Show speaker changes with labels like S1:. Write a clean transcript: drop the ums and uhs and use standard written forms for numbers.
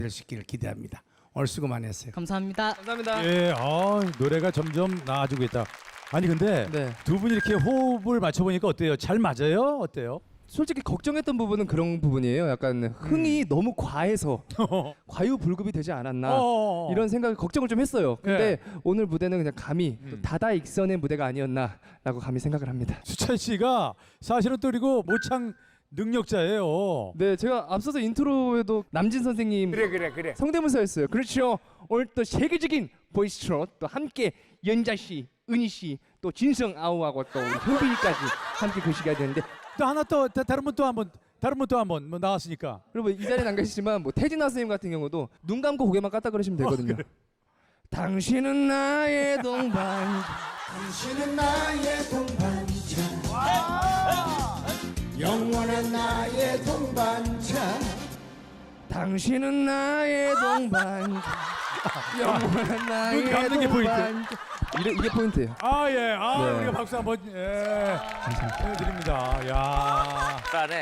S1: 될 수 있기를 기대합니다. 오늘 수고 많이 했어요.
S2: 감사합니다.
S3: 감사합니다.
S4: 예, 노래가 점점 나아지고 있다. 아니 근데
S3: 네.
S4: 두 분이 이렇게 호흡을 맞춰보니까 어때요? 잘 맞아요? 어때요?
S3: 솔직히 걱정했던 부분은 그런 부분이에요. 약간 흥이 너무 과해서 과유불급이 되지 않았나 이런 생각을 걱정을 좀 했어요. 근데 오늘 무대는 그냥 감히 또 다다익선의 무대가 아니었나라고 감히 생각을 합니다.
S4: 수찬 씨가 사실은 또 그리고 모창 능력자예요.
S3: 네, 제가 앞서서 인트로에도 남진 선생님
S1: 그래.
S3: 성대모사였어요. 그렇죠. 오늘 또 세계적인 보이스로 또 함께 연자 씨, 은희 씨, 또 진성 아우하고 또 효빈이까지 함께 거시기가 되는데
S4: 또 하나 또 다른 분 또 한번 뭐 나왔으니까.
S3: 그리고 이 자리에 안 계시지만 뭐 태진아 선생님 같은 경우도 눈 감고 고개만 깠다 그러시면 되거든요.
S4: 그래.
S3: 당신은 나의 동반.
S5: 당신은 나의 동반자 영원한 나의 동반자
S3: 당신은 나의 동반자. 영원한 나의
S4: 눈 감는 게 포인트.
S3: 동반자. 이게 포인트예요.
S4: 아 예,
S3: 네.
S4: 우리가 박수 한번 해드립니다. 야.
S6: 잘하네.